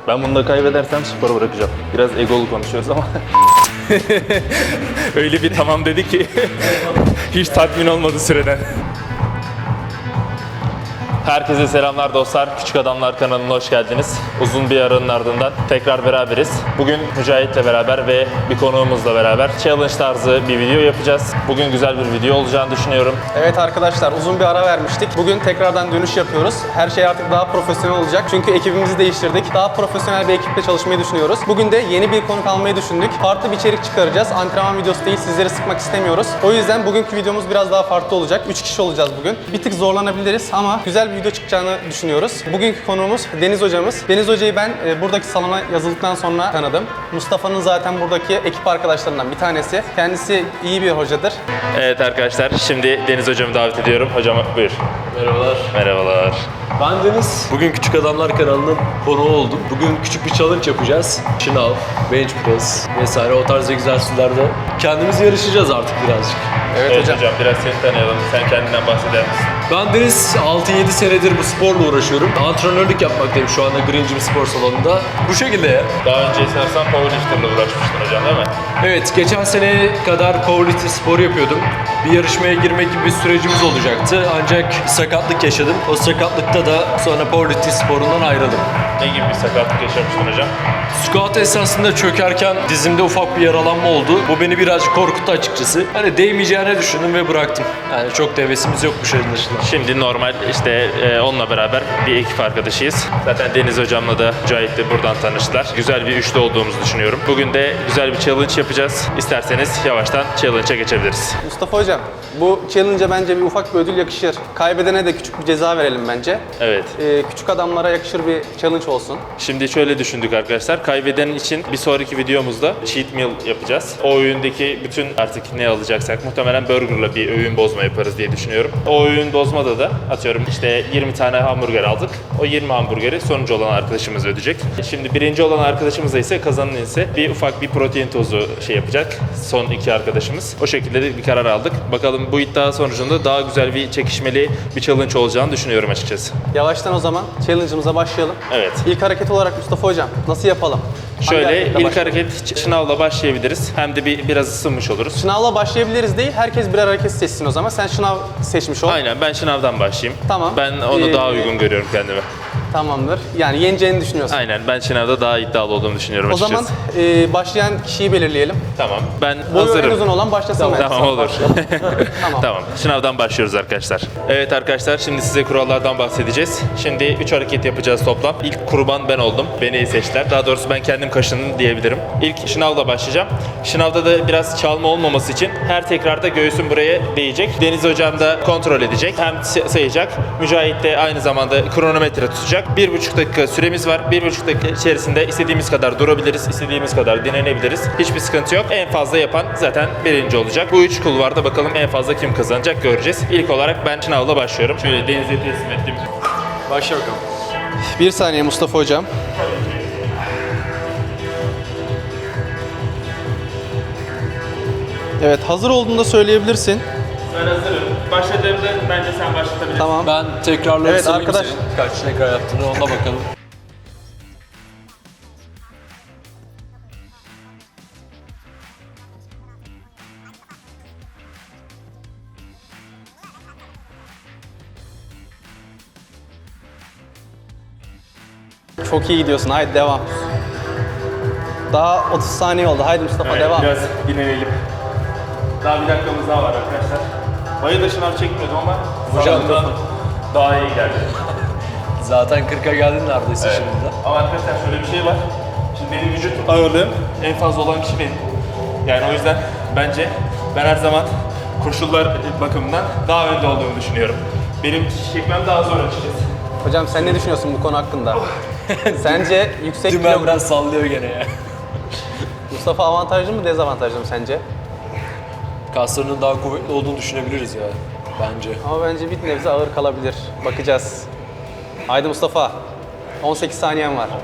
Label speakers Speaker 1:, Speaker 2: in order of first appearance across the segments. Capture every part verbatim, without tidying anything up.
Speaker 1: Ben bunu da kaybedersem sporu bırakacağım. Biraz egolu konuşuyoruz ama. Öyle bir tamam dedi ki hiç tatmin olmadı süreden. Herkese selamlar dostlar. Küçük Adamlar kanalına hoş geldiniz. Uzun bir aranın ardından tekrar beraberiz. Bugün Mücahit'le beraber ve bir konuğumuzla beraber challenge tarzı bir video yapacağız. Bugün güzel bir video olacağını düşünüyorum.
Speaker 2: Evet arkadaşlar, uzun bir ara vermiştik. Bugün tekrardan dönüş yapıyoruz. Her şey artık daha profesyonel olacak. Çünkü ekibimizi değiştirdik. Daha profesyonel bir ekiple çalışmayı düşünüyoruz. Bugün de yeni bir konuk almayı düşündük. Farklı bir içerik çıkaracağız. Antrenman videosu değil, sizleri sıkmak istemiyoruz. O yüzden bugünkü videomuz biraz daha farklı olacak. üç kişi olacağız bugün. Bir tık zorlanabiliriz ama güzel bir video çıkacağını düşünüyoruz. Bugünkü konuğumuz Deniz hocamız. Deniz hocayı ben e, buradaki salona yazıldıktan sonra tanıdım. Mustafa'nın zaten buradaki ekip arkadaşlarından bir tanesi. Kendisi iyi bir hocadır.
Speaker 1: Evet arkadaşlar, şimdi Deniz hocamı davet ediyorum. Hocam buyur.
Speaker 3: Merhabalar.
Speaker 1: Merhabalar.
Speaker 3: Ben Deniz. Bugün Küçük Adamlar kanalının konuğu oldum. Bugün küçük bir challenge yapacağız. Şınav, bench press vesaire o tarz egzersizlerde kendimiz yarışacağız artık birazcık.
Speaker 2: Evet,
Speaker 1: Evet
Speaker 2: hocam.
Speaker 1: hocam, biraz seni tanıyalım. Sen kendinden bahseder misin?
Speaker 3: Ben Deniz, altı yedi senedir bu sporla uğraşıyorum. Antrenörlük yapmaktayım şu anda Green Gym spor salonunda. Bu şekilde ya.
Speaker 1: Daha önce sanırsam powerlifter'la uğraşmıştın hocam, değil mi?
Speaker 3: Evet, geçen sene kadar powerlifting spor yapıyordum. Bir yarışmaya girmek gibi bir sürecimiz olacaktı. Ancak bir sakatlık yaşadım. O sakatlıkta da sonra powerlifting sporundan ayrıldım.
Speaker 1: Ne gibi bir sakatlık yaşamıştın hocam?
Speaker 3: Squat esnasında çökerken dizimde ufak bir yaralanma oldu. Bu beni birazcık korkuttu açıkçası. Hani değmeyeceğini düşündüm ve bıraktım. Yani çok da hevesimiz yokmuş anlaşılan.
Speaker 1: Şimdi normal işte e, onunla beraber bir ekip arkadaşıyız. Zaten Deniz hocamla da Mücahit de buradan tanıştılar. Güzel bir üçlü olduğumuzu düşünüyorum. Bugün de güzel bir challenge yapacağız. İsterseniz yavaştan challenge'a geçebiliriz.
Speaker 2: Mustafa hocam, bu challenge'a bence bir ufak bir ödül yakışır. Kaybedene de küçük bir ceza verelim bence.
Speaker 1: Evet.
Speaker 2: Ee, küçük adamlara yakışır bir challenge olsun.
Speaker 1: Şimdi şöyle düşündük arkadaşlar. Kaybeden için bir sonraki videomuzda cheat meal yapacağız. O öğündeki bütün artık ne alacaksak muhtemelen burgerla bir öğün bozma yaparız diye düşünüyorum. O öğün bozmada da atıyorum işte yirmi tane hamburger aldık. O yirmi hamburgeri sonuncu olan arkadaşımız ödeyecek. Şimdi birinci olan arkadaşımıza ise kazanan ise bir ufak bir protein tozu şey yapacak. Son iki arkadaşımız. O şekilde de bir karar aldık. Bakalım bu iddia sonucunda daha güzel bir çekişmeli bir challenge olacağını düşünüyorum açıkçası.
Speaker 2: Yavaştan o zaman challenge'ımıza başlayalım.
Speaker 1: Evet.
Speaker 2: İlk hareket olarak Mustafa hocam, nasıl yapalım? Hangi
Speaker 1: Şöyle
Speaker 2: hareketle
Speaker 1: ilk
Speaker 2: başlayalım?
Speaker 1: hareket şınavla başlayabiliriz. Hem de bir biraz ısınmış oluruz.
Speaker 2: Şınavla başlayabiliriz değil, herkes birer hareket seçsin o zaman. Sen şınav seçmiş ol.
Speaker 1: Aynen, ben şınavdan başlayayım.
Speaker 2: Tamam.
Speaker 1: Ben onu
Speaker 2: Ee,
Speaker 1: daha uygun görüyorum kendime.
Speaker 2: Tamamdır. Yani yeneceğini düşünüyorsun.
Speaker 1: Aynen, ben şınavda daha iddialı olduğumu düşünüyorum
Speaker 2: O
Speaker 1: açıkçası.
Speaker 2: zaman e, başlayan kişiyi belirleyelim.
Speaker 1: Tamam, ben
Speaker 2: Boyu en
Speaker 1: hazırım.
Speaker 2: uzun olan başlasın mı?
Speaker 1: Tamam, olur.
Speaker 2: Tamam.
Speaker 1: Tamam, şınavdan başlıyoruz arkadaşlar. Evet arkadaşlar, şimdi size kurallardan bahsedeceğiz. Şimdi üç hareket yapacağız toplam. İlk kurban ben oldum. Beni seçtiler. Daha doğrusu ben kendim kaşındım diyebilirim. İlk şınavla başlayacağım. Şınavda da biraz çalma olmaması için her tekrarda göğsüm buraya değecek. Deniz hocam da kontrol edecek. Hem sayacak. Mücahit de aynı zamanda kronometre tutacak. Bir buçuk dakika süremiz var. Bir buçuk dakika içerisinde istediğimiz kadar durabiliriz. İstediğimiz kadar dinlenebiliriz. Hiçbir sıkıntı yok. En fazla yapan zaten birinci olacak. Bu üç kulvarda bakalım en fazla kim kazanacak göreceğiz. İlk olarak ben şınavla başlıyorum. Şöyle Deniz'e teslim ettim.
Speaker 3: Başla bakalım.
Speaker 2: Bir saniye Mustafa hocam. Evet, hazır olduğunda söyleyebilirsin.
Speaker 1: Ben hazırım. Başladığımda bence sen başlatabilirsin.
Speaker 2: Tamam.
Speaker 3: Ben tekrarları
Speaker 2: Evet,
Speaker 3: sayayım
Speaker 2: arkadaş-
Speaker 3: senin. Kaç tekrar yaptığını ona bakalım.
Speaker 2: Çok iyi gidiyorsun. Haydi devam. Daha otuz saniye oldu. Haydi Mustafa
Speaker 1: Evet,
Speaker 2: devam.
Speaker 1: biraz dinlenelim. Daha bir dakikamız daha var arkadaşlar. Bayı da şınav çekmiyordum ama
Speaker 3: Hocam,
Speaker 1: sağlığımdan daha iyi geldi.
Speaker 3: Zaten kırka geldin neredeyse
Speaker 1: Evet.
Speaker 3: şimdi de.
Speaker 1: Ama arkadaşlar şöyle bir şey var. Şimdi benim vücut ağırlığım en fazla olan kişi benim. Yani o yüzden bence ben her zaman koşullar bakımından daha önde olduğumu düşünüyorum. Benim çekmem daha zor açıkçası.
Speaker 2: Hocam sen ne düşünüyorsun bu konu hakkında? Sence yüksek
Speaker 3: Dümen
Speaker 2: kilo...
Speaker 3: biraz sallıyor gene ya.
Speaker 2: Mustafa avantajlı mı dezavantajlı mı sence?
Speaker 3: Kaslarının daha kuvvetli olduğunu düşünebiliriz ya bence.
Speaker 2: Ama bence bir nebze ağır kalabilir. Bakacağız. Haydi Mustafa. on sekiz saniyen var.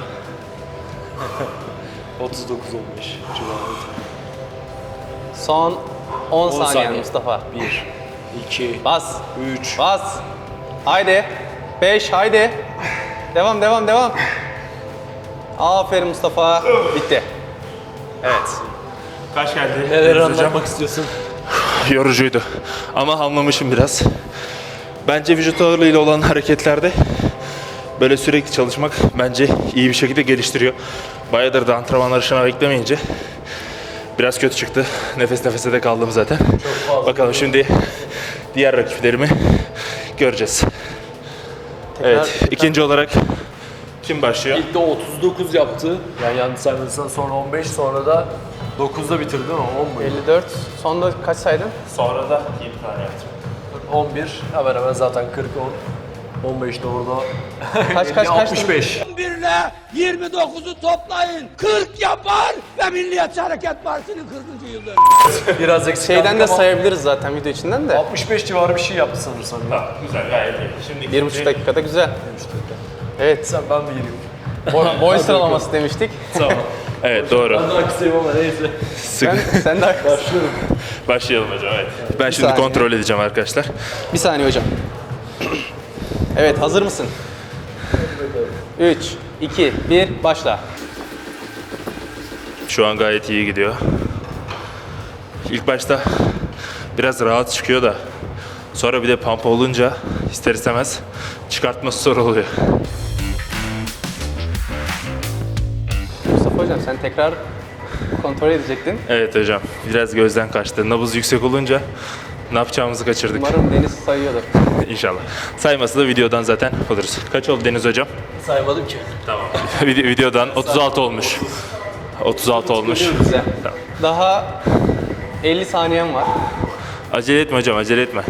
Speaker 3: otuz dokuz on beş civarı.
Speaker 2: Son on,
Speaker 3: on
Speaker 2: saniyen
Speaker 3: saniye.
Speaker 2: Mustafa.
Speaker 3: bir, iki,
Speaker 2: Bas.
Speaker 3: üç,
Speaker 2: Bas. Haydi. beş haydi. Devam devam devam. Aferin Mustafa. Bitti. Evet.
Speaker 1: Kaç geldi?
Speaker 3: Neler
Speaker 1: Deniz hocam?
Speaker 3: anlatmak istiyorsun?
Speaker 1: Yorucuydu. Ama hamlamışım biraz. Bence vücut ağırlığıyla olan hareketlerde böyle sürekli çalışmak bence iyi bir şekilde geliştiriyor. Bayağıdır da antrenmanlar şına beklemeyince biraz kötü çıktı. Nefes nefese de kaldım zaten. Bakalım şimdi diğer rakiplerimi göreceğiz. Evet, ikinci olarak kim başlıyor?
Speaker 3: İlk de otuz dokuz yaptı. Yani yanlış saymıyorsam sonra on beş, sonra da dokuzda bitirdi değil mi? on mu?
Speaker 2: elli dört. Sonda kaç saydın?
Speaker 1: Sonra da yirmi tane yaptım.
Speaker 3: on bir. Hemen hemen zaten kırk, on. on beş de orada.
Speaker 2: Kaç kaç kaç?
Speaker 3: altmış beş.
Speaker 4: on bir ile yirmi dokuzu toplayın. kırk yapar ve Milliyetçi Hareket Partisi'nin kırkıncı yıl dönümü.
Speaker 3: Biraz eksik
Speaker 2: Şeyden
Speaker 3: kaldık
Speaker 2: de
Speaker 3: ama
Speaker 2: sayabiliriz zaten video içinden de.
Speaker 3: altmış beş civarı bir şey yaptı sanırsam. Ya.
Speaker 1: Tamam, güzel, gayet iyi. Şimdi
Speaker 2: Bir buçuk dakikada güzel. Evet.
Speaker 3: Sen ben bir gireyim.
Speaker 2: Boy, boy sıralaması demiştik.
Speaker 3: Tamam.
Speaker 1: Evet, doğru.
Speaker 3: Ben daha kısayım ama neyse.
Speaker 2: Sen, sen de
Speaker 3: Başlıyorum.
Speaker 1: Başlayalım hocam, evet. Ben şimdi
Speaker 2: saniye.
Speaker 1: kontrol edeceğim arkadaşlar.
Speaker 2: Bir saniye hocam. Evet, hazır mısın? üç, iki, bir, başla.
Speaker 1: Şu an gayet iyi gidiyor. İlk başta biraz rahat çıkıyor da sonra bir de pump olunca ister istemez çıkartması zor oluyor.
Speaker 2: Mustafa hocam sen tekrar kontrol edecektin.
Speaker 1: Evet hocam, biraz gözden kaçtı. Nabız yüksek olunca ne yapacağımızı kaçırdık.
Speaker 2: Umarım Deniz sayıyordur.
Speaker 1: İnşallah. Sayması da videodan zaten oluruz. Kaç oldu Deniz hocam?
Speaker 3: Saymadım ki.
Speaker 1: Tamam. Vide- videodan otuz altı olmuş. otuz altı olmuş.
Speaker 2: Güzel. Daha elli saniyen var.
Speaker 1: Acele etme hocam, acele etme.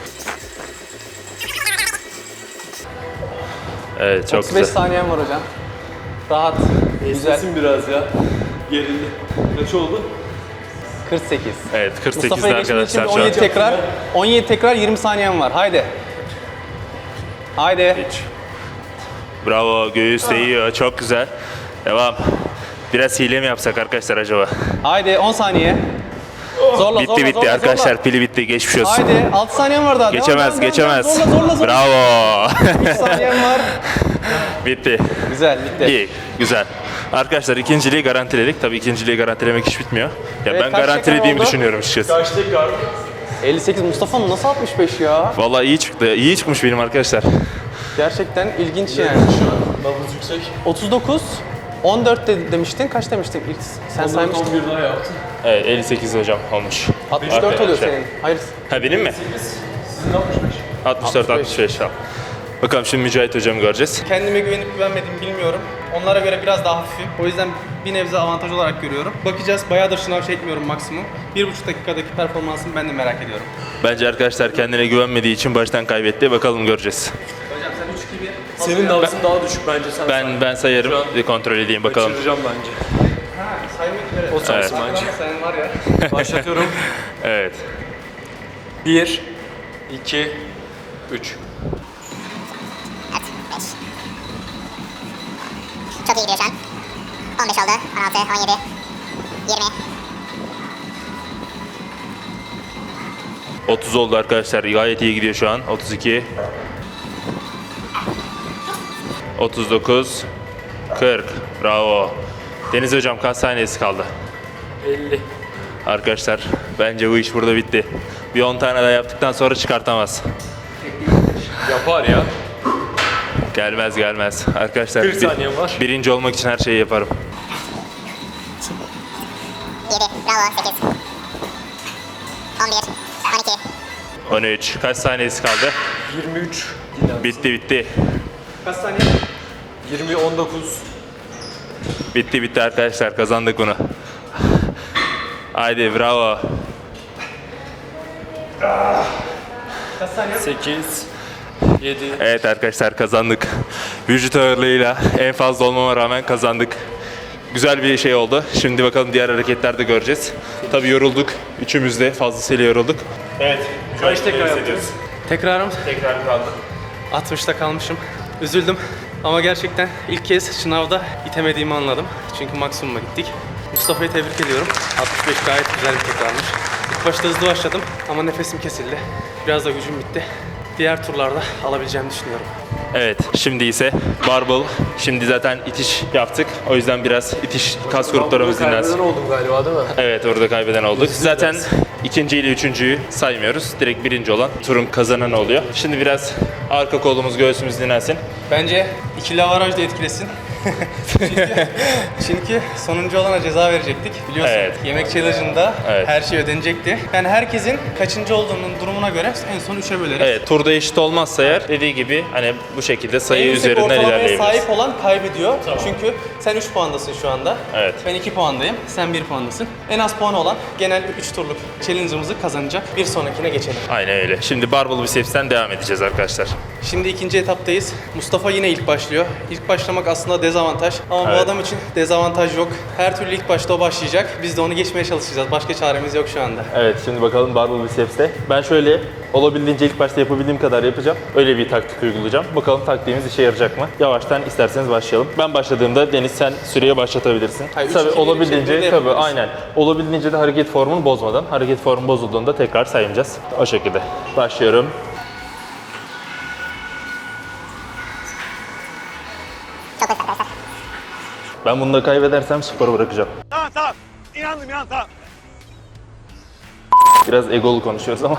Speaker 1: Evet, çok
Speaker 2: otuz beş
Speaker 1: güzel.
Speaker 2: saniyen var hocam. Rahat. Güzel.
Speaker 3: Esnesin biraz ya. Gerildi. Kaç oldu?
Speaker 2: kırk sekiz.
Speaker 1: Evet, kırk sekizde
Speaker 2: Mustafa'ya geçmek için
Speaker 1: arkadaşlar
Speaker 2: on
Speaker 1: şu
Speaker 2: yedi
Speaker 1: an.
Speaker 2: tekrar. on yedi tekrar yirmi saniyen var. Haydi. Haydi.
Speaker 1: Hiç. Bravo, göğüs değiyor, çok güzel. Devam. Biraz hile mi yapsak arkadaşlar acaba?
Speaker 2: Haydi on saniye. Zorla
Speaker 1: Bitti
Speaker 2: zorla
Speaker 1: bitti
Speaker 2: zorla,
Speaker 1: arkadaşlar,
Speaker 2: zorla.
Speaker 1: pili bitti, geçmiş olsun.
Speaker 2: Haydi altı saniyen var daha. Devam,
Speaker 1: Geçemez,
Speaker 2: devam, devam,
Speaker 1: geçemez.
Speaker 2: Zorla zorla zorla.
Speaker 1: Bravo.
Speaker 2: üç saniyen var.
Speaker 1: Bitti.
Speaker 2: Güzel bitti.
Speaker 1: İyi, güzel. Arkadaşlar ikinciliği garantiledik. Tabii ikinciliği garantilemek hiç bitmiyor. Ya
Speaker 2: Evet,
Speaker 1: ben
Speaker 2: kaç
Speaker 1: garantilediğimi
Speaker 2: dakika oldu?
Speaker 1: düşünüyorum açıkçası.
Speaker 3: Kaç tekrar?
Speaker 2: elli sekiz Mustafa'nın nasıl altmış beş ya?
Speaker 1: Vallahi iyi çıktı. İyi çıkmış benim arkadaşlar.
Speaker 2: Gerçekten ilginç yani.
Speaker 3: Nabız yüksek.
Speaker 2: otuz dokuz on dört de, demiştin. Kaç demiştin ilk? Sen saymıştın.
Speaker 3: on bir daha yaptı.
Speaker 1: Evet, elli sekiz hocam olmuş.
Speaker 2: altmış dört oluyor
Speaker 1: Arkadaşlar.
Speaker 2: senin. Hayır.
Speaker 1: Ha benim mi?
Speaker 3: Sizin altmış beş.
Speaker 1: altmış dört altmış beş tamam. Bakalım şimdi Mücahit hocamı göreceğiz.
Speaker 2: Kendime güvenip güvenmediğimi bilmiyorum. Onlara göre biraz daha hafifim. O yüzden bir nebze avantaj olarak görüyorum. Bakacağız. Bayağıdır şınav çekmiyorum maksimum. Bir buçuk dakikadaki performansını ben de merak ediyorum.
Speaker 1: Bence arkadaşlar kendine güvenmediği için baştan kaybetti. Bakalım göreceğiz.
Speaker 2: Hocam sen üç iki bir.
Speaker 3: Senin nabzın daha düşük bence. Sen
Speaker 1: Ben ben sayarım. Bir kontrol edeyim bakalım.
Speaker 3: kaçıracağım bence.
Speaker 2: Ha, saymak üzere.
Speaker 3: O saysın
Speaker 1: Evet.
Speaker 3: bence.
Speaker 2: Sen var ya.
Speaker 3: Başlatıyorum.
Speaker 1: Evet.
Speaker 3: bir, iki, üç.
Speaker 5: Çok iyi gidiyor şu an. on beş oldu. on altı, on yedi, yirmi.
Speaker 1: otuz oldu arkadaşlar. Gayet iyi gidiyor şu an. otuz iki. otuz dokuz. kırk. Bravo. Deniz hocam kaç saniyesi kaldı?
Speaker 3: elli.
Speaker 1: Arkadaşlar bence bu iş burada bitti. Bir on tane daha yaptıktan sonra çıkartamaz.
Speaker 3: Yapar ya.
Speaker 1: Gelmez gelmez. Arkadaşlar
Speaker 3: kırk
Speaker 1: bir-
Speaker 3: saniyem var.
Speaker 1: birinci olmak için her şeyi yaparım.
Speaker 5: yedi, bravo, sekiz. on bir, on iki.
Speaker 1: on üç. Kaç saniyesi kaldı?
Speaker 3: yirmi üç. Dinlen.
Speaker 1: Bitti bitti.
Speaker 2: Kaç saniye?
Speaker 3: yirmi, on dokuz.
Speaker 1: Bitti bitti arkadaşlar, kazandık bunu. Haydi bravo.
Speaker 2: Kaç saniye?
Speaker 3: sekiz, yedi.
Speaker 1: Evet arkadaşlar kazandık. Vücut ağırlığıyla en fazla olmama rağmen kazandık. Güzel bir şey oldu. Şimdi bakalım diğer hareketlerde göreceğiz. Tabii yorulduk. Üçümüz de fazlasıyla yorulduk. Evet.
Speaker 3: Kaç tekrar yaptınız?
Speaker 2: Tekrarım
Speaker 1: Tekrar kaldı.
Speaker 2: altmışta kalmışım. Üzüldüm. Ama gerçekten ilk kez sınavda itemediğimi anladım. Çünkü maksimuma gittik. Mustafa'yı tebrik ediyorum. altmış beş gayet güzel bir tekrarmış. İlk başta hızlı başladım ama nefesim kesildi. Biraz da gücüm bitti. Diğer turlarda alabileceğimi düşünüyorum.
Speaker 1: Evet, şimdi ise barbell. Şimdi zaten itiş yaptık. O yüzden biraz itiş kas gruplarımız
Speaker 3: Kaybeden
Speaker 1: dinlensin.
Speaker 3: oldum galiba değil mi?
Speaker 1: Evet, orada kaybeden olduk. Zaten ikinci ile üçüncüyü saymıyoruz. Direkt birinci olan turun kazananı oluyor. Şimdi biraz arka kolumuz, göğsümüz dinlensin.
Speaker 2: Bence ikili avaraj da etkilesin. çünkü, çünkü sonuncu olana ceza verecektik. Biliyorsun
Speaker 1: Evet.
Speaker 2: yemek challenge'ında
Speaker 1: Evet.
Speaker 2: her şey ödenecekti. Yani herkesin kaçıncı olduğunun durumuna göre en son üçe böleriz.
Speaker 1: Evet, turda eşit olmazsa eğer dediği gibi hani bu şekilde sayı
Speaker 2: En yüksek
Speaker 1: üzerinden
Speaker 2: ortalamaya
Speaker 1: ilerleyebiliriz.
Speaker 2: sahip olan kaybediyor. Çünkü sen üç puandasın şu anda.
Speaker 1: Evet.
Speaker 2: Ben iki puandayım. Sen bir puandasın. En az puan olan genel üç turluk challenge'ımızı kazanacak. Bir sonrakine geçelim.
Speaker 1: Aynen öyle. Şimdi barbell biceps'ten devam edeceğiz arkadaşlar.
Speaker 2: Şimdi ikinci etaptayız. Mustafa yine ilk başlıyor. İlk başlamak aslında dezavantaj. Ama bu
Speaker 1: Evet.
Speaker 2: adam için dezavantaj yok. Her türlü ilk başta o başlayacak. Biz de onu geçmeye çalışacağız. Başka çaremiz yok şu anda.
Speaker 1: Evet, şimdi bakalım barbell biceps'te. Ben şöyle olabildiğince ilk başta yapabildiğim kadar yapacağım. Öyle bir taktik uygulayacağım. Bakalım taktiğimiz işe yarayacak mı? Yavaştan isterseniz başlayalım. Ben başladığımda Deniz sen süreye başlatabilirsin.
Speaker 2: Hayır, üç,
Speaker 1: tabii
Speaker 2: iki, bir
Speaker 1: olabildiğince
Speaker 2: şeklinde
Speaker 1: tabii
Speaker 2: yapabiliriz.
Speaker 1: aynen. Olabildiğince de hareket formunu bozmadan. Hareket formu bozulduğunda tekrar sayacağız. O şekilde. Başlıyorum.
Speaker 5: Çok hızlı arkadaşlar.
Speaker 1: Ben bunu da kaybedersem sporu bırakacağım.
Speaker 6: Tamam tamam. İnandım inandım tamam.
Speaker 1: Biraz egolu konuşuyoruz ama.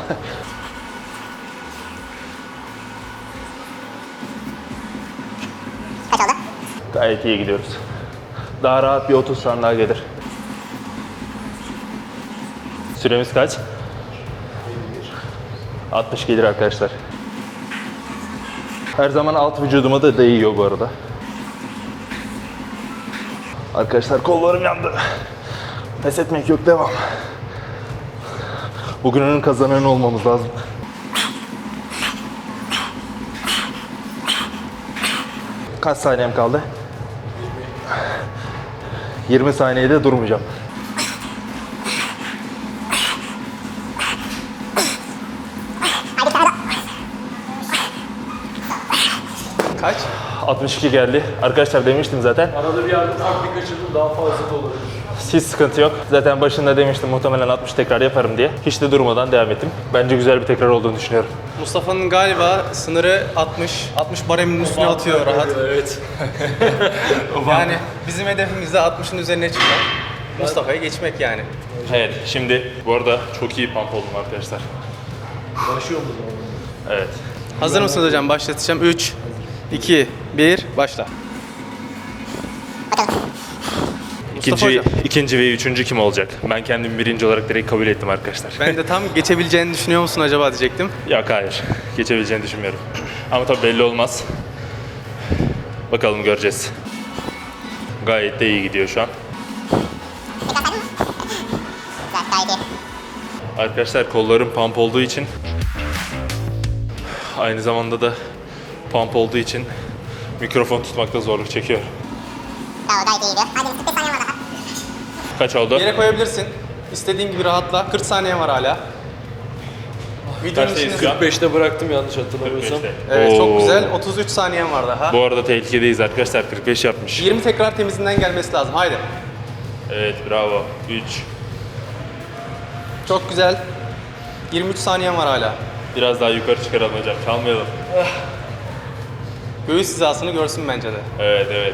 Speaker 5: Kaç oldu?
Speaker 1: Gayet iyi gidiyoruz. Daha rahat bir otuz tane daha gelir. Süremiz kaç? altmış gelir arkadaşlar. Her zaman alt vücuduma da değiyor bu arada. Arkadaşlar kollarım yandı. Pes etmek yok, devam. Bugünün kazananı olmamız lazım. Kaç saniyem kaldı? yirmi saniyede durmayacağım.
Speaker 5: Hadi bir tane daha.
Speaker 2: Kaç?
Speaker 1: altmış iki geldi. Arkadaşlar demiştim zaten.
Speaker 3: Arada bir yerde ufak bir kaçırdım, daha fazla da olabilir.
Speaker 1: Hiç sıkıntı yok. Zaten başında demiştim muhtemelen altmış tekrar yaparım diye. Hiç de durmadan devam ettim. Bence güzel bir tekrar olduğunu düşünüyorum.
Speaker 2: Mustafa'nın galiba sınırı altmış. altmış baremin üstüne atıyor rahat.
Speaker 3: Evet.
Speaker 2: Yani bizim hedefimiz de altmışın üzerine çıkmak. Mustafa'yı geçmek yani.
Speaker 1: Evet, şimdi bu arada çok iyi pump oldum arkadaşlar.
Speaker 3: Başlıyor mu?
Speaker 1: Evet.
Speaker 2: Hazır mısınız hocam? Başlatacağım. üç, iki, bir, başla.
Speaker 5: Bakalım.
Speaker 2: Mustafa
Speaker 1: İkinci,
Speaker 2: hocam.
Speaker 1: ikinci ve üçüncü kim olacak? Ben kendimi birinci olarak direkt kabul ettim arkadaşlar.
Speaker 2: Ben de tam geçebileceğini düşünüyor musun acaba diyecektim.
Speaker 1: Yok, hayır. Geçebileceğini düşünmüyorum. Ama tabii belli olmaz. Bakalım, göreceğiz. Gayet de iyi gidiyor şu an.
Speaker 5: Tekrar saydın mı? Güzel, gayet iyi.
Speaker 1: Arkadaşlar kollarım pump olduğu için, aynı zamanda da pump olduğu için mikrofon tutmakta zorluk çekiyor.
Speaker 5: Bravo, gayet iyi gidiyor. Hadi kırk beş saniye var daha.
Speaker 1: Kaç oldu?
Speaker 2: Yere koyabilirsin. İstediğin gibi rahatla. kırk saniye var hala. Videonun
Speaker 1: Kaçtayız
Speaker 2: içinde...
Speaker 1: şu an?
Speaker 3: kırk beşte bıraktım yanlış hatırlamıyorsam.
Speaker 1: beşte.
Speaker 2: Evet,
Speaker 1: Oo.
Speaker 2: çok güzel. otuz üç saniyen var daha.
Speaker 1: Bu arada tehlikedeyiz arkadaşlar. kırk beş yapmış.
Speaker 2: yirmi tekrar temizinden gelmesi lazım. Haydi.
Speaker 1: Evet, bravo. üç.
Speaker 2: Çok güzel. yirmi üç saniyen var hala.
Speaker 1: Biraz daha yukarı çıkaralım hocam. Çalmayalım.
Speaker 2: Göğüs hizasını görsün bence de.
Speaker 1: Evet, evet.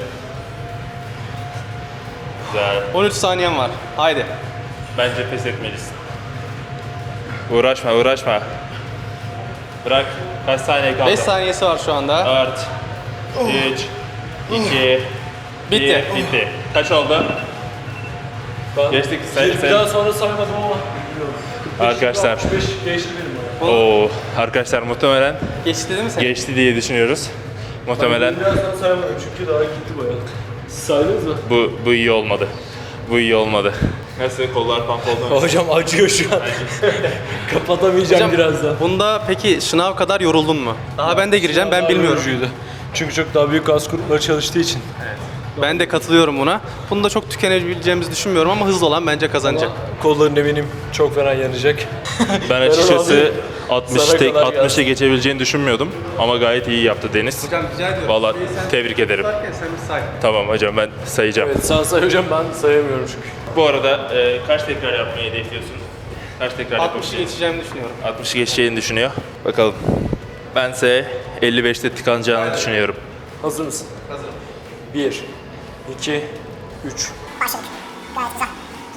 Speaker 1: Güzel.
Speaker 2: on üç saniyen var. Haydi.
Speaker 1: Bence pes etmelisin. Uğraşma, uğraşma. Bırak. Kaç saniye kaldı?
Speaker 2: beş saniyesi var şu anda.
Speaker 1: dört, üç, iki,
Speaker 2: Bitti.
Speaker 1: bir. Bitti. Kaç oldu?
Speaker 3: Ben
Speaker 1: Geçtik, say-
Speaker 3: bir,
Speaker 1: say-
Speaker 3: bir daha sonra saymadım ama bilmiyorum. kırk beş,
Speaker 1: Arkadaşlar.
Speaker 3: altmış beş geçti benim ya.
Speaker 1: Oo, arkadaşlar muhtemelen
Speaker 2: Geçti değil mi sen?
Speaker 1: geçti diye düşünüyoruz. Muhtemelen
Speaker 3: Ben birazdan sayamadım çünkü daha gitti bayağı. Siz saydınız mı?
Speaker 1: bu bu iyi olmadı. Bu iyi olmadı. Nasıl, kollar pump oldu mu?
Speaker 3: Hocam acıyor şu an. Kapatamayacağım
Speaker 2: Hocam,
Speaker 3: birazdan.
Speaker 2: bunda peki sınav kadar yoruldun mu? Daha ben de gireceğim, ben
Speaker 3: Daha
Speaker 2: bilmiyorum.
Speaker 3: yorucuydu. Çünkü çok daha büyük kas grupları çalıştığı için.
Speaker 2: Ben de katılıyorum buna. Bunda çok tükenebileceğimizi düşünmüyorum ama hızlı olan bence kazanacak.
Speaker 3: Kolların eminim çok fena yanacak.
Speaker 1: Ben
Speaker 3: onu
Speaker 1: açıkçası
Speaker 3: alayım.
Speaker 1: altmış
Speaker 3: Sana
Speaker 1: tek
Speaker 3: kadar
Speaker 1: altmışı
Speaker 3: gelsin.
Speaker 1: geçebileceğini düşünmüyordum ama gayet iyi yaptı Deniz.
Speaker 2: Hocam rica ediyorum.
Speaker 1: Vallahi
Speaker 2: Şurayı sen
Speaker 1: tebrik ederim.
Speaker 2: tutarken sen bir say.
Speaker 1: Tamam hocam, ben sayacağım.
Speaker 3: Evet sen say hocam, ben sayamıyorum çünkü.
Speaker 1: Bu arada e, kaç tekrar yapmayı hedefliyorsun? Kaç tekrar
Speaker 2: altmışı
Speaker 1: yapabileceğini?
Speaker 2: geçeceğimi düşünüyorum.
Speaker 1: altmışı geçeceğini düşünüyor. Bakalım. Bense elli beşte tıkanacağını düşünüyorum.
Speaker 3: Hazır mısın? Hazırım. Bir, iki, üç.
Speaker 5: Başladık. Gayet güzel.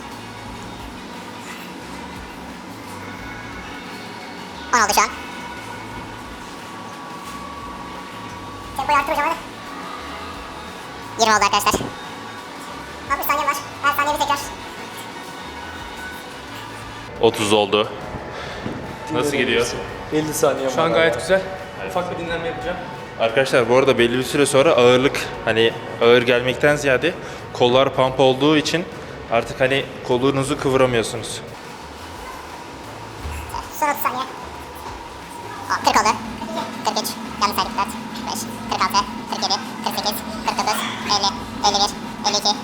Speaker 5: on oldu şu an. Tempoyu arttır hocam hadi. yirmi oldu arkadaşlar. altmış saniye var. Her saniye bir tekrar.
Speaker 1: otuz oldu. Nasıl gidiyor?
Speaker 3: elli saniye
Speaker 2: Şu an gayet güzel. Ufak bir dinlenme yapacağım.
Speaker 1: Arkadaşlar bu arada belli bir süre sonra ağırlık hani ağır gelmekten ziyade kollar pump olduğu için artık hani kolunuzu kıvıramıyorsunuz.
Speaker 5: Son otuz saniye. O, kırk oldu. kırk üç. Yanlış saydık. dört, beş, kırk altı, kırk yedi, kırk sekiz, kırk dokuz, elli, elli bir, elli iki.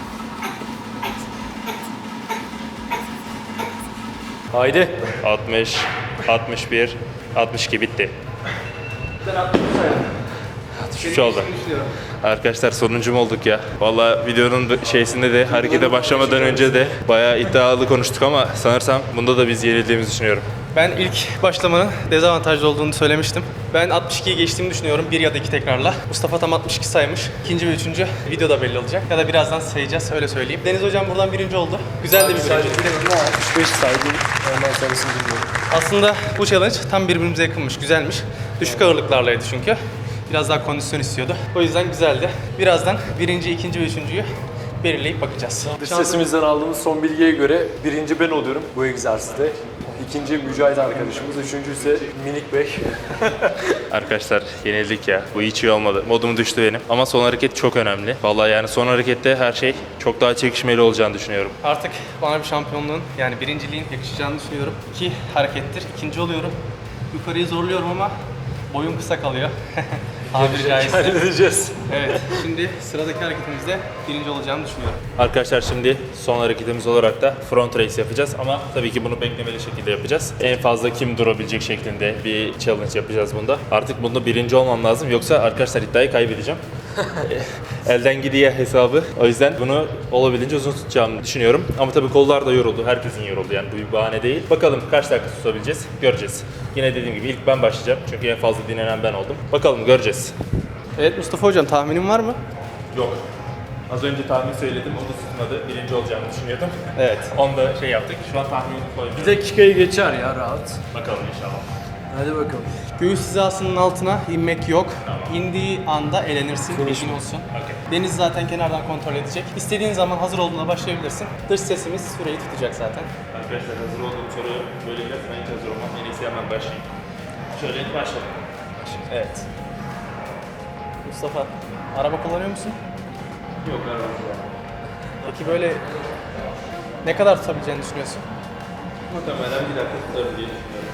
Speaker 3: Haydi.
Speaker 1: altmış, altmış bir, altmış iki bitti. altmış üç oldu. Arkadaşlar sonuncu mu olduk ya? Vallahi videonun şeysinde de harekete başlamadan önce de bayağı iddialı konuştuk ama sanırsam bunda da biz yenildiğimizi düşünüyorum.
Speaker 2: Ben ilk başlamanın dezavantajlı olduğunu söylemiştim. Ben altmış ikiyi geçtiğimi düşünüyorum bir ya da iki tekrarla. Mustafa tam altmış iki saymış. İkinci ve üçüncü videoda belli olacak. Ya da birazdan sayacağız öyle söyleyeyim. Deniz hocam buradan birinci oldu. Güzel de bir birinci.
Speaker 3: altmış beş saydım. Ondan sonrasını bilmiyorum.
Speaker 2: Aslında bu challenge tam birbirimize yakınmış, güzelmiş. Düşük ağırlıklarlaydı çünkü. Biraz daha kondisyon istiyordu. O yüzden güzeldi. Birazdan birinci, ikinci ve üçüncüyü belirleyip bakacağız.
Speaker 3: Dış sesimizden aldığımız son bilgiye göre birinci ben oluyorum bu egzersizde. İkinci Mücahit arkadaşımız, üçüncü ise Minik Bey.
Speaker 1: Arkadaşlar yenildik ya. Bu hiç iyi olmadı. Modum düştü benim. Ama son hareket çok önemli. Vallahi yani son harekette her şey çok daha çekişmeli olacağını düşünüyorum.
Speaker 2: Artık bana bir şampiyonluğun yani birinciliğin yakışacağını düşünüyorum. İki harekettir. İkinci oluyorum. Yukarıyı zorluyorum ama boyum kısa kalıyor. Tabiri caizse.
Speaker 3: Halledeceğiz.
Speaker 2: Evet. Şimdi sıradaki hareketimizde birinci olacağımı düşünüyorum.
Speaker 1: Arkadaşlar şimdi son hareketimiz olarak da front race yapacağız ama tabii ki bunu beklemeli şekilde yapacağız. En fazla kim durabilecek şeklinde bir challenge yapacağız bunda. Artık bunda birinci olmam lazım yoksa arkadaşlar iddiayı kaybedeceğim. Elden gidiyor hesabı. O yüzden bunu olabildiğince uzun tutacağımı düşünüyorum. Ama tabii kollar da yoruldu. Herkesin yoruldu yani bu bir bahane değil. Bakalım kaç dakika tutabileceğiz göreceğiz. Yine dediğim gibi ilk ben başlayacağım çünkü en fazla dinlenen ben oldum. Bakalım göreceğiz.
Speaker 2: Evet Mustafa hocam tahminin var mı?
Speaker 1: Yok. Az önce tahmin söyledim, o da tutmadı. Birinci olacağımı düşünüyordum.
Speaker 2: Evet.
Speaker 1: Onu da şey yaptık. Şu an tahminimi koymuyorum.
Speaker 3: Bir dakikayı geçer ya rahat.
Speaker 1: Bakalım inşallah.
Speaker 3: Hadi bakalım.
Speaker 2: Göğüs hizasının altına inmek yok. İndiği anda elenirsin. Bilgin olsun.
Speaker 1: Okay.
Speaker 2: Deniz zaten kenardan kontrol edecek. İstediğin zaman hazır olduğunda başlayabilirsin. Dış sesimiz süreyi tutacak zaten.
Speaker 1: Arkadaşlar hazır olduğum soru böyle biraz ben hiç hazır olmam. En iyisi hemen başlayayım. Şöyle başlayalım.
Speaker 2: Evet. Mustafa, araba kullanıyor musun?
Speaker 1: Yok arabamda.
Speaker 2: Peki böyle ne kadar tutabileceğini düşünüyorsun?
Speaker 1: Muhtemelen bir dakika tutarım diye düşünüyorum.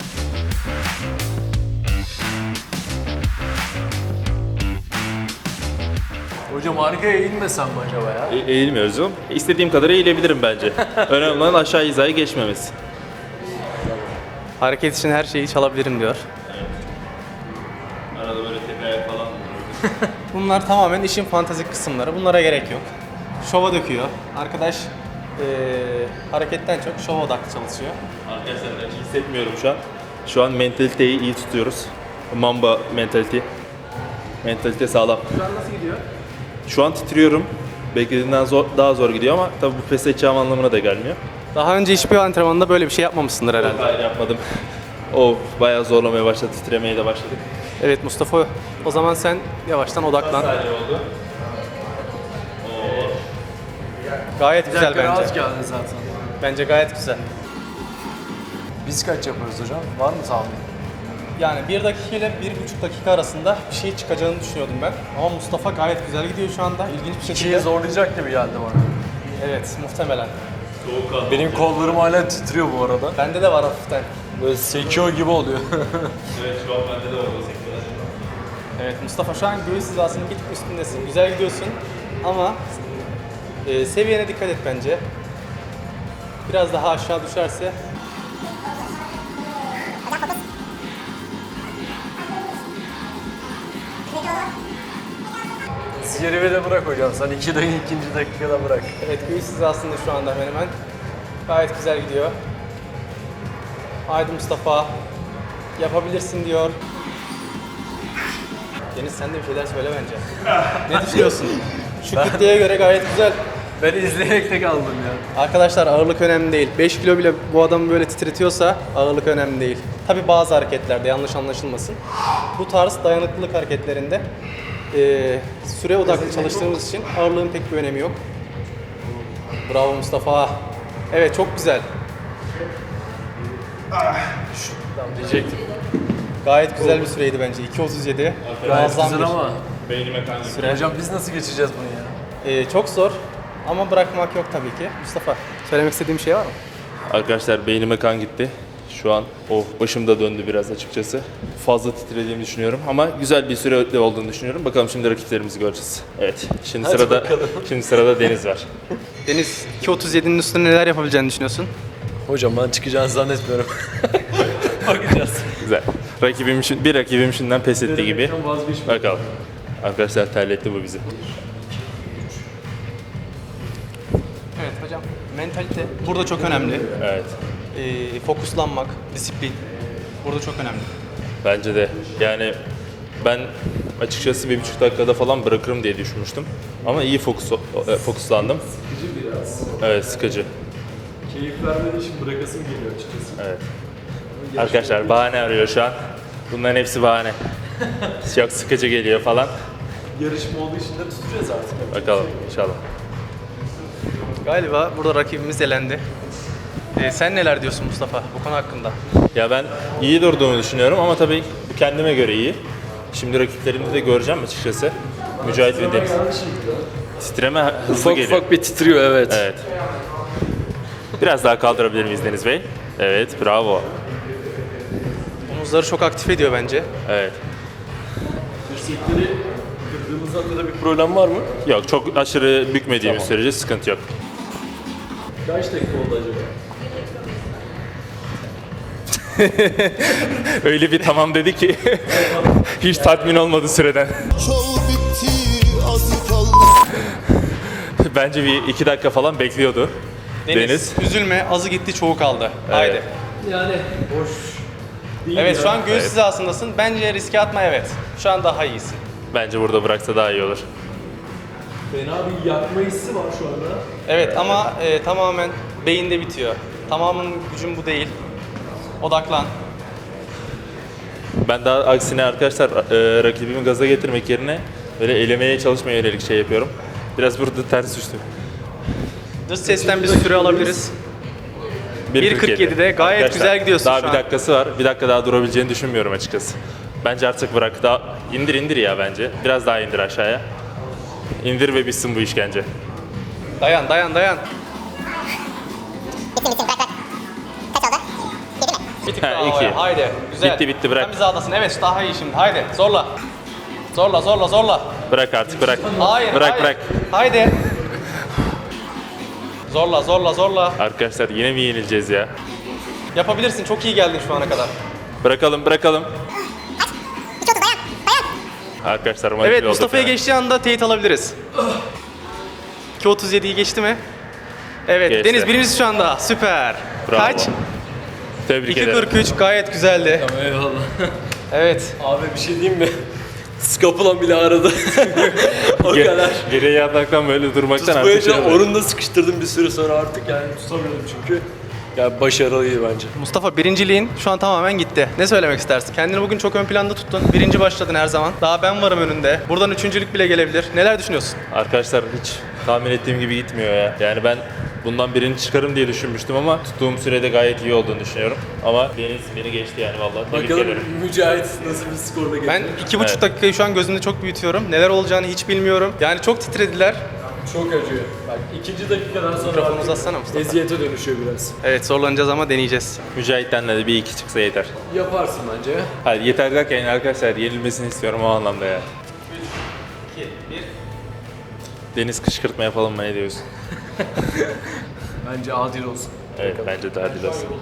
Speaker 3: Hocam arkaya eğilmesem mi acaba ya?
Speaker 1: E- eğilmiyoruz oğlum. İstediğim kadar eğilebilirim bence. Önemli olan aşağı hizaya geçmemesi.
Speaker 2: Hareket için her şeyi çalabilirim diyor.
Speaker 1: Arada böyle tek ayak falan
Speaker 2: Bunlar tamamen işin fantastik kısımları. Bunlara gerek yok. Şova döküyor. Arkadaş eee, hareketten çok şova odaklı çalışıyor.
Speaker 1: Arkadaşlar ben hiç hissetmiyorum şu an. Şu an mentaliteyi iyi tutuyoruz. Mamba mentalite. Mentalite sağlam.
Speaker 2: Şu an nasıl gidiyor?
Speaker 1: Şu an titriyorum. Beklediğimden zor, daha zor gidiyor ama tabii bu pes edeceğim anlamına da gelmiyor.
Speaker 2: Daha önce hiçbir antrenmanda böyle bir şey yapmamışsındır herhalde.
Speaker 1: Hayır yapmadım. O bayağı zorlamaya başladı, titremeye de başladık.
Speaker 2: Evet Mustafa, o zaman sen yavaştan odaklan.
Speaker 1: Saniye oldu.
Speaker 2: Gayet
Speaker 3: Bir
Speaker 2: güzel
Speaker 3: dakika
Speaker 2: bence.
Speaker 3: rahat geldi zaten.
Speaker 2: Bence gayet güzel.
Speaker 3: Biz kaç yapıyoruz hocam? Var mı tahmin?
Speaker 2: Yani bir dakika ile bir buçuk dakika arasında bir şey çıkacağını düşünüyordum ben. Ama Mustafa gayet güzel gidiyor şu anda. İlginç bir şekilde.
Speaker 3: İkiyi zorlayacak gibi geldi bana.
Speaker 2: Evet, muhtemelen.
Speaker 3: Benim kollarım hala titriyor bu arada.
Speaker 2: Bende de var hafiften.
Speaker 3: Böyle sekiyor gibi oluyor.
Speaker 1: Evet şu an bende de oldu sektörler.
Speaker 2: Evet Mustafa şu an göğüs hizasının bir tık üstündesin. Güzel gidiyorsun ama e, seviyene dikkat et bence. Biraz daha aşağı düşerse
Speaker 3: Zirve de bırak hocam. Sen iki dakika, ikinci dakikada bırak.
Speaker 2: evet göğüs hizasında şu anda hemen hemen. Gayet güzel gidiyor. Haydi Mustafa. Yapabilirsin diyor. Deniz sen de bir şeyler söyle bence. Ne düşünüyorsun? Şu kütleye göre gayet güzel.
Speaker 3: Ben izleyerek de kaldım ya.
Speaker 2: Arkadaşlar ağırlık önemli değil. beş kilo bile bu adamı böyle titretiyorsa ağırlık önemli değil. Tabi bazı hareketlerde yanlış anlaşılmasın. Bu tarz dayanıklılık hareketlerinde eee, süre odaklı çalıştığımız için ağırlığın pek bir önemi yok. Bravo Mustafa. Evet çok güzel.
Speaker 3: Diyecektim.
Speaker 2: Gayet güzel bir süreydi bence. iki otuz yedi.
Speaker 3: Gayet
Speaker 2: Muazzam
Speaker 3: güzel
Speaker 2: bir
Speaker 3: ama.
Speaker 1: Beynime kan gitti.
Speaker 2: süre.
Speaker 3: Hocam biz nasıl geçeceğiz bunu ya?
Speaker 2: Eee, çok zor ama bırakmak yok tabii ki. Mustafa söylemek istediğim bir şey var mı?
Speaker 1: Arkadaşlar beynime kan gitti. Şu an o başım da döndü biraz açıkçası. Fazla titrediğimi düşünüyorum ama güzel bir süre olduğunu düşünüyorum. Bakalım şimdi rakiplerimizi göreceğiz. Evet. Şimdi
Speaker 3: Hadi
Speaker 1: sırada
Speaker 3: bakalım.
Speaker 1: şimdi sırada Deniz var.
Speaker 2: Deniz iki otuz yedinin üstünde neler yapabileceğini düşünüyorsun?
Speaker 3: Hocam ben çıkacağını zannetmiyorum. Bakacağız.
Speaker 1: Güzel. Rakibim şun- bir rakibim şimdiden pes etti gibi.
Speaker 3: Denemekten vazgeçme.
Speaker 1: Bakalım. Arkadaşlar terletti bu bizi.
Speaker 2: Evet hocam. Mentalite burada çok önemli.
Speaker 1: Evet.
Speaker 2: Ee, fokuslanmak, disiplin burada çok önemli.
Speaker 1: Bence de. Yani ben açıkçası bir buçuk dakikada falan bırakırım diye düşünmüştüm. Ama iyi fokus, e, fokuslandım.
Speaker 3: Sıkıcı biraz.
Speaker 1: Evet, sıkıcı.
Speaker 3: Keyif vermediği için bırakasım geliyor açıkçası.
Speaker 1: Evet. Arkadaşlar bahane arıyor şu an. Bunların hepsi bahane. Çok sıkıcı geliyor falan.
Speaker 3: Yarışma olduğu için de tutacağız artık.
Speaker 1: Bakalım inşallah.
Speaker 2: Galiba burada rakibimiz elendi. Ee, sen neler diyorsun Mustafa bu konu hakkında?
Speaker 1: Ya ben iyi durduğumu düşünüyorum ama tabii bu kendime göre iyi. Şimdi rakiplerimde de göreceğim açıkçası. Mücahit ve Deniz. Titreme hızlı
Speaker 3: Ufak
Speaker 1: geliyor.
Speaker 3: ufak bir titriyor evet.
Speaker 1: Evet. Biraz daha kaldırabilir miyiz Deniz Bey? Evet, bravo.
Speaker 2: Omuzları çok aktif ediyor bence.
Speaker 1: Evet.
Speaker 3: Dirsekleri kırdığımızda da bir problem var mı?
Speaker 1: Yok, çok aşırı bükmediğimiz sürece sıkıntı yok.
Speaker 3: Kaç dakika oldu acaba?
Speaker 1: Öyle bir tamam dedi ki hiç tatmin olmadı süreden.
Speaker 7: Çal bitti az kaldı.
Speaker 1: Bence bir iki dakika falan bekliyordu.
Speaker 2: Deniz,
Speaker 1: Deniz.
Speaker 2: üzülme azı gitti çoğu kaldı. Haydi.
Speaker 3: Yani boş değil
Speaker 2: Evet
Speaker 3: ya.
Speaker 2: şu an göğüs
Speaker 1: Evet.
Speaker 2: hizasındasın. Bence riske atma evet. Şu an daha iyisin.
Speaker 1: Bence burada bıraksa daha iyi olur.
Speaker 3: Fena bir yakma hissi var şu anda.
Speaker 2: Evet ama e, tamamen beyinde bitiyor. Tamamının gücün bu değil. Odaklan.
Speaker 1: Ben daha aksine arkadaşlar e, rakibimi gaza getirmek yerine böyle elemeye çalışmaya yönelik şey yapıyorum. Biraz burada ters düştüm.
Speaker 2: Dış sesten bir süre alabiliriz. bir kırk yedide gayet
Speaker 1: Arkadaşlar,
Speaker 2: güzel gidiyorsun
Speaker 1: daha
Speaker 2: şu
Speaker 1: bir
Speaker 2: an.
Speaker 1: dakikası var. Bir dakika daha durabileceğini düşünmüyorum açıkçası. Bence artık bırak. Daha indir indir ya bence. Biraz daha indir aşağıya. İndir ve bitsin bu işkence.
Speaker 2: Dayan dayan dayan.
Speaker 5: Bitti bitti bırak bırak. Kaç oldu? Yedi mi?
Speaker 2: Bir tık
Speaker 1: Ha,
Speaker 2: daha
Speaker 1: iki.
Speaker 2: havaya. Haydi. Güzel.
Speaker 1: Bitti, bitti, bırak.
Speaker 2: Tam hizadasın. Evet daha iyi şimdi. Haydi zorla. Zorla zorla zorla.
Speaker 1: Bırak artık bırak.
Speaker 2: Hayır
Speaker 1: Bırak
Speaker 2: hayır.
Speaker 1: bırak.
Speaker 2: Haydi. Zorla zorla zorla.
Speaker 1: Arkadaşlar yine mi yenileceğiz ya?
Speaker 2: Yapabilirsin. Çok iyi geldin şu ana kadar.
Speaker 1: Bırakalım bırakalım.
Speaker 5: İki otuz dayan. Dayan.
Speaker 1: Arkadaşlar manipüle
Speaker 2: Evet
Speaker 1: olduk
Speaker 2: Mustafa'ya
Speaker 1: ya.
Speaker 2: geçtiği anda teyit alabiliriz. iki otuz yediyi geçti mi? Evet
Speaker 1: Geçti.
Speaker 2: Deniz birincisi şu anda. Süper.
Speaker 1: Bravo.
Speaker 2: Kaç?
Speaker 1: Tebrik
Speaker 2: iki
Speaker 1: ederim.
Speaker 2: kırk üç gayet güzeldi.
Speaker 3: Eyvallah.
Speaker 2: Evet.
Speaker 3: Abi bir şey diyeyim mi? Skapulam bile aradı. O
Speaker 1: Ge-
Speaker 3: kadar.
Speaker 1: Geriye yataktan böyle durmaktan artık
Speaker 3: Tutmayınca
Speaker 1: şey oluyor.
Speaker 3: orunda sıkıştırdım bir süre sonra artık yani tutamıyordum çünkü. Yani başarılıydı bence.
Speaker 2: Mustafa birinciliğin şu an tamamen gitti. Ne söylemek istersin? Kendini bugün çok ön planda tuttun. Birinci başladın her zaman. Daha ben varım önünde. Buradan üçüncülük bile gelebilir. Neler düşünüyorsun?
Speaker 1: Arkadaşlar hiç tahmin ettiğim gibi gitmiyor ya. Yani ben bundan birini çıkarım diye düşünmüştüm ama tuttuğum sürede gayet iyi olduğunu düşünüyorum. Ama Deniz beni geçti yani vallahi. Tebrik
Speaker 3: Bakalım
Speaker 1: ederim.
Speaker 3: Mücahit nasıl bir skorla geçecek.
Speaker 2: Ben iki buçuk
Speaker 1: Evet.
Speaker 2: dakikayı şu an gözümde çok büyütüyorum. Neler olacağını hiç bilmiyorum. Yani çok titrediler.
Speaker 3: Çok acıyor. Bak ikinci dakikadan sonra
Speaker 2: Mikrofonu
Speaker 3: artık
Speaker 2: uzatsana Mustafa.
Speaker 3: eziyete dönüşüyor biraz.
Speaker 2: Evet zorlanacağız ama deneyeceğiz.
Speaker 1: Mücahit'ten de bir iki çıksa yeter.
Speaker 3: Yaparsın bence.
Speaker 1: Hayır yeter derken yani arkadaşlar yenilmesini istiyorum o anlamda ya.
Speaker 2: iki, bir.
Speaker 1: Deniz kışkırtma yapalım mı ne diyorsun?
Speaker 3: Bence adil olsun.
Speaker 1: Evet bence de adil olsun.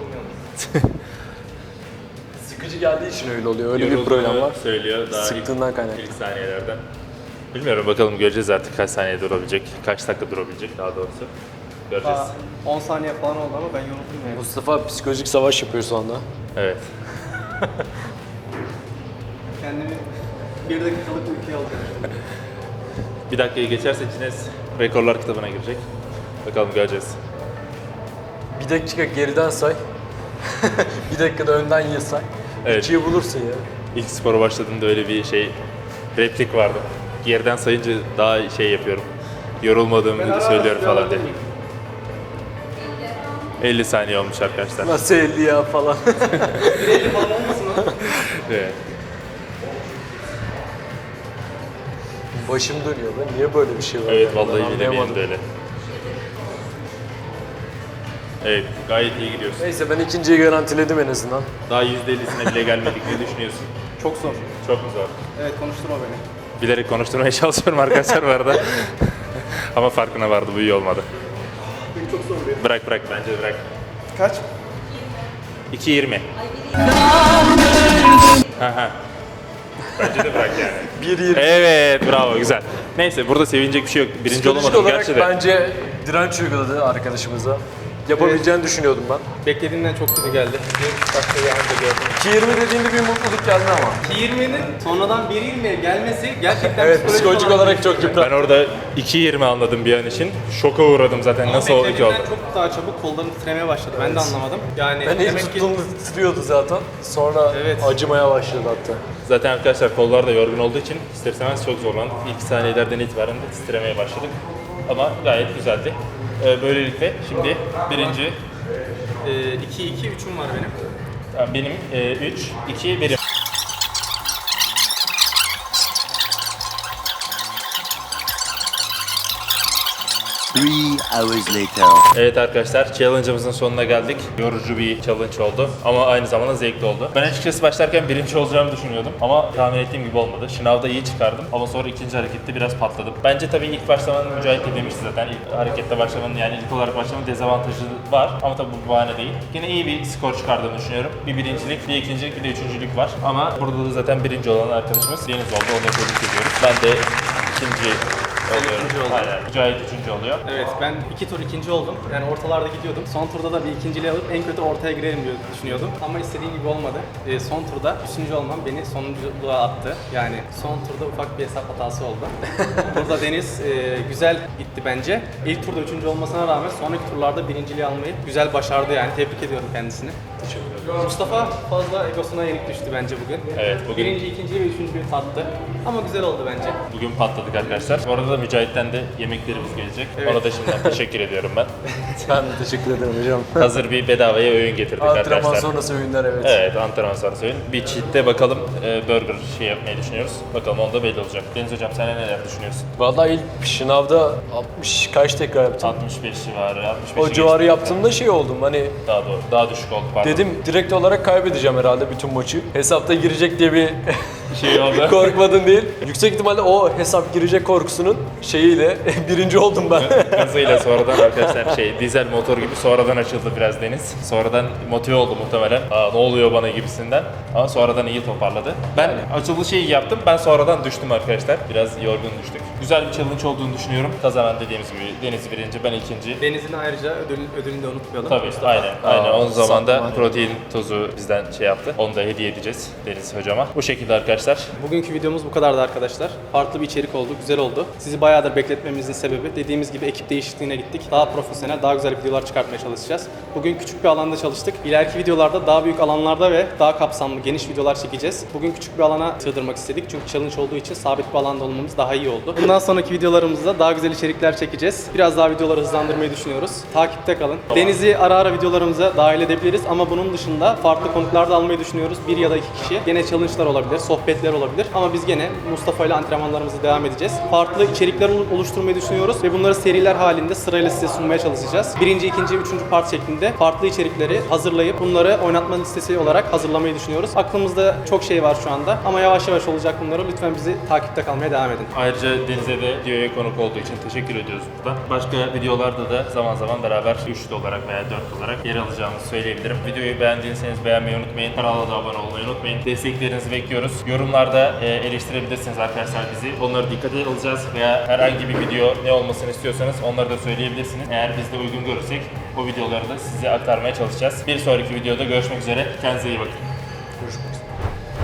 Speaker 3: Sıkıcı geldiği için öyle oluyor. Öyle bir
Speaker 1: Yorulduğunu
Speaker 3: problem var.
Speaker 1: Söylüyor daha
Speaker 3: Sıktığından
Speaker 1: ilk,
Speaker 3: kaynaklı.
Speaker 1: ilk saniyelerden. Bilmiyorum bakalım göreceğiz artık kaç saniye durabilecek, kaç dakika durabilecek daha doğrusu. Göreceğiz.
Speaker 2: on saniye falan oldu ama ben yoruldum yani.
Speaker 3: Mustafa psikolojik savaş yapıyor şu anda.
Speaker 1: Evet.
Speaker 2: Kendimi Bir dakikalık ülke alacağım.
Speaker 1: Bir dakikayı geçerse Guinness Rekorlar kitabına girecek. Bakalım göreceğiz.
Speaker 3: Bir dakika geriden say. Bir dakikada önden ye say.
Speaker 1: Evet.
Speaker 3: İkiyi bulursun ya.
Speaker 1: İlk spora başladığımda öyle bir şey, replik vardı. Geriden sayınca daha şey yapıyorum. Yorulmadığımı söylüyorum falan diye. elli saniye olmuş arkadaşlar.
Speaker 3: Nasıl elli ya falan.
Speaker 1: Evet.
Speaker 3: Başım dönüyor lan. Niye böyle bir şey var?
Speaker 1: Evet
Speaker 3: yani?
Speaker 1: vallahi
Speaker 3: Ben
Speaker 1: yine benim
Speaker 3: anlayamadım.
Speaker 1: de öyle. Evet gayet iyi gidiyorsun.
Speaker 3: Neyse ben ikinciyi garantiledim en azından.
Speaker 1: Daha yüzde ellisine bile gelmedik. Ne düşünüyorsun?
Speaker 2: Çok zor.
Speaker 1: Çok mu zor?
Speaker 2: Evet, konuşturma beni.
Speaker 1: Bilerek konuşturmaya çalışıyorum arkadaşlar bu arada. Ama farkına vardı, bu iyi olmadı.
Speaker 2: Çok zor bir.
Speaker 1: Bırak bırak, bence bırak.
Speaker 2: Kaç?
Speaker 1: iki yirmi. Haha. Bence de bırak yani.
Speaker 3: bir yirmi.
Speaker 1: Evet, bravo, güzel. Neyse, burada sevinecek bir şey yok. Birinci
Speaker 3: Psikolojik
Speaker 1: olamadım
Speaker 3: olarak
Speaker 1: gerçi de.
Speaker 3: bence direnç uyguladı arkadaşımıza. Yapabileceğini düşünüyordum ben.
Speaker 2: Beklediğimden çok kötü geldi. Bir dakikayı anca gördüm.
Speaker 3: iki yirmi dediğinde bir mutluluk geldi ama.
Speaker 2: iki yirminin sonradan bir yirmiye gelmesi gerçekten
Speaker 3: Evet, psikolojik olarak çok
Speaker 1: Ben
Speaker 3: yıprattı.
Speaker 1: orada iki yirmi anladım bir an için. Şoka uğradım zaten. Nasıl oldu ki oldu?
Speaker 2: Beklediğimden çok daha çabuk kollarım titremeye başladı. Ben de anlamadım. Yani
Speaker 3: Ben ilk
Speaker 2: demek ki
Speaker 3: tuttuğumda titriyordu zaten. Sonra
Speaker 2: Evet.
Speaker 3: acımaya başladı hatta.
Speaker 1: Zaten arkadaşlar kollar da yorgun olduğu için ister istemez çok zorlandık. İlk saniyelerden itibaren de titremeye başladık. Ama gayet güzeldi. Ee, böylelikle şimdi birinci,
Speaker 2: iki iki üçüm var benim.
Speaker 1: yani benim üç, iki, birim.
Speaker 7: Three hours later.
Speaker 1: Evet arkadaşlar, challenge'ımızın sonuna geldik. Yorucu bir challenge oldu ama aynı zamanda zevkli oldu. Ben açıkçası başlarken birinci olacağımı düşünüyordum ama tahmin ettiğim gibi olmadı. Şınavda iyi çıkardım ama sonra ikinci harekette biraz patladım. Bence tabii ilk başlamanın, Mücahit de demişti zaten, ilk harekette başlamanın, yani ilk olarak başlamanın dezavantajı var ama tabii bu bahane değil. Yine iyi bir skor çıkardığımı düşünüyorum. Bir birincilik, bir ikincilik, bir de üçüncülük var ama burada da zaten birinci olan arkadaşımız Deniz oldu. Onu da tebrik ediyoruz. Ben de ikinci oluyorum.
Speaker 2: ikinci oldum.
Speaker 1: Aynen. Mücahit üçüncü oluyor.
Speaker 2: Evet, ben iki tur ikinci oldum. Yani ortalarda gidiyordum. Son turda da bir ikinciliği alıp en kötü ortaya girerim diye düşünüyordum. Ama istediğim gibi olmadı. Ee, son turda üçüncü olmam beni sonunculuğa attı. Yani son turda ufak bir hesap hatası oldu. Burada Deniz e, güzel gitti bence. İlk turda üçüncü olmasına rağmen sonraki turlarda birinciliği almayı güzel başardı yani. Tebrik ediyorum kendisini. Mustafa fazla egosuna yenik düştü bence bugün.
Speaker 1: Evet, bugün-
Speaker 2: Birinci, ikinciyi ve üçüncüyü tattı. Ama güzel oldu bence.
Speaker 1: Bugün patladık arkadaşlar. Bu arada da Mücahit'ten de yemeklerimiz gelecek.
Speaker 2: Evet.
Speaker 1: Ona da şimdiden teşekkür ediyorum ben.
Speaker 3: Ben de teşekkür ederim hocam.
Speaker 1: Hazır bir bedavaya öğün getirdik
Speaker 3: Antrenman
Speaker 1: arkadaşlar.
Speaker 3: sonrası öğünler evet.
Speaker 1: Evet, antrenman sonrası öğün. Bir cheat'te bakalım e, burger şey yapmayı düşünüyoruz. Bakalım onda belli olacak. Deniz hocam sen neler düşünüyorsun?
Speaker 3: Vallahi ilk şınavda altmış kaç tekrar yaptım.
Speaker 1: altmış beş civarı, altmış beşi
Speaker 3: O civarı
Speaker 1: geçtik.
Speaker 3: yaptığımda şey oldum hani
Speaker 1: Daha doğru, daha düşük oldu pardon.
Speaker 3: dedim direkt olarak kaybedeceğim herhalde bütün maçı. Hesapta girecek diye bir
Speaker 1: şey oldu.
Speaker 3: korkmadın değil. Yüksek ihtimalle o hesap girecek korkusunun şeyiyle birinci oldum ben.
Speaker 1: Gazıyla sonradan arkadaşlar şey dizel motor gibi sonradan açıldı biraz Deniz. Sonradan motive oldu muhtemelen. Aa, ne oluyor bana gibisinden. Ama sonradan iyi toparladı. Ben açılışı iyi yaptım. Ben sonradan düştüm arkadaşlar. Biraz yorgun düştük. Güzel bir challenge olduğunu düşünüyorum. Kazanan dediğimiz gibi Deniz birinci, ben ikinci.
Speaker 2: Deniz'in ayrıca ödül, ödülünü de unutmayalım.
Speaker 1: Tabii aynen. Aynen. Onun zaman da
Speaker 3: sağ ol.
Speaker 1: protein tozu bizden şey yaptı. Onu da hediye edeceğiz Deniz hocama. Bu şekilde arkadaşlar.
Speaker 2: Bugünkü videomuz bu kadardı arkadaşlar. Farklı bir içerik oldu, güzel oldu. Sizi bayağıdır bekletmemizin sebebi dediğimiz gibi ekip değişikliğine gittik. Daha profesyonel, daha güzel videolar çıkartmaya çalışacağız. Bugün küçük bir alanda çalıştık. İleriki videolarda daha büyük alanlarda ve daha kapsamlı, geniş videolar çekeceğiz. Bugün küçük bir alana sığdırmak istedik çünkü challenge olduğu için sabit bir alanda olmamız daha iyi oldu. Bundan sonraki videolarımızda daha güzel içerikler çekeceğiz. Biraz daha videoları hızlandırmayı düşünüyoruz. Takipte kalın. Deniz'i ara ara videolarımıza dahil edebiliriz ama bunun dışında farklı konuklar da almayı düşünüyoruz. Bir ya da iki kişi. Gene challenge'lar olabilir, sohbetler olabilir ama biz gene Mustafa ile antrenmanlarımızı devam edeceğiz. Farklı içerikler oluşturmayı düşünüyoruz ve bunları seriler halinde sırayla size sunmaya çalışacağız. Birinci, ikinci, üçüncü part şeklinde farklı içerikleri hazırlayıp bunları oynatma listesi olarak hazırlamayı düşünüyoruz. Aklımızda çok şey var şu anda ama yavaş yavaş olacak bunları. Lütfen bizi takipte kalmaya devam edin.
Speaker 1: Ayrıca Deniz'e de videoya konuk olduğu için teşekkür ediyoruz buradan. Başka videolarda da zaman zaman beraber üçlü olarak veya dörtlü olarak yer alacağımızı söyleyebilirim. Videoyu beğendiyseniz beğenmeyi unutmayın. Kanala da abone olmayı unutmayın. Desteklerinizi bekliyoruz. Yorumlarda e, eleştirebilirsiniz arkadaşlar bizi. Onları dikkate alacağız veya herhangi bir video ne olmasını istiyorsanız onları da söyleyebilirsiniz. Eğer biz de uygun görürsek o videoları da size aktarmaya çalışacağız. Bir sonraki videoda görüşmek üzere. Kendinize iyi bakın.
Speaker 3: Görüşmek